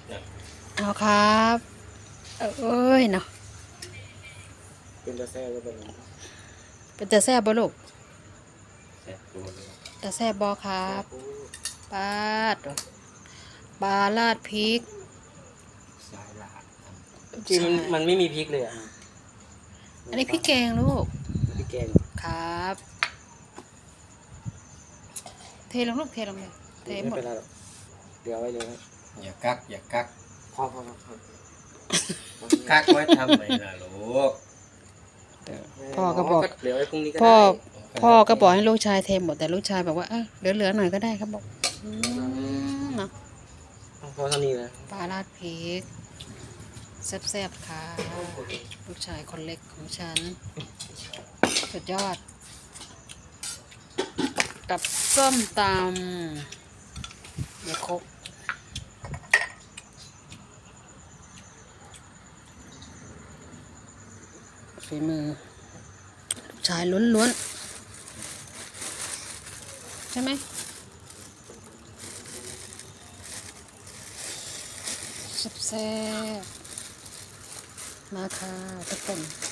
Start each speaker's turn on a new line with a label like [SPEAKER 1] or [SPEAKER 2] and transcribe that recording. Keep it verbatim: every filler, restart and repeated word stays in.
[SPEAKER 1] เอาครับเอ้ยเนาะ
[SPEAKER 2] เป็นตาแซ่บแล้วเป็น
[SPEAKER 1] เป็นตาแซ่บบ่ลูก
[SPEAKER 3] แซ่บตัวเลย
[SPEAKER 1] ตาแซ่บบ่ครับปาดปลาลาดพริก
[SPEAKER 3] สายลาด
[SPEAKER 2] จริงมันมันไม่มีพริกเลยอ่ะ
[SPEAKER 1] อันนี้พริกแกงลูก
[SPEAKER 2] พริกแกง
[SPEAKER 1] ครับเทลงลูกเทลงเลยเท
[SPEAKER 2] ไม่
[SPEAKER 1] หมด
[SPEAKER 2] เป็นไรหรอกเดี๋ยวไว้เลย
[SPEAKER 3] อย่ากักอย่ากัก
[SPEAKER 2] พอพอพอ
[SPEAKER 3] กักไว้ทำไมล่ะลูก
[SPEAKER 1] พ่อก็บอก
[SPEAKER 2] เดี๋ยวไว้พรุ่งนี้ก็
[SPEAKER 1] พ่อ
[SPEAKER 2] ได้
[SPEAKER 1] พ่อก็บอกให้ลูกชายเทหมดแต่ลูกชายบอกว่าเออเหลือๆหน่อยก็ได้ครับบอกอืมเนาะ
[SPEAKER 2] พอเท่านี้นะ
[SPEAKER 1] ปลาราดพริกแซ่บๆค่ะลูกชายคนเล็กของฉันสุดยอด กับส้มตำเดี๋ยวครบฝีมือลูกชายล้วนๆใช่ไหมแซ่บๆมาค่ะทุกคน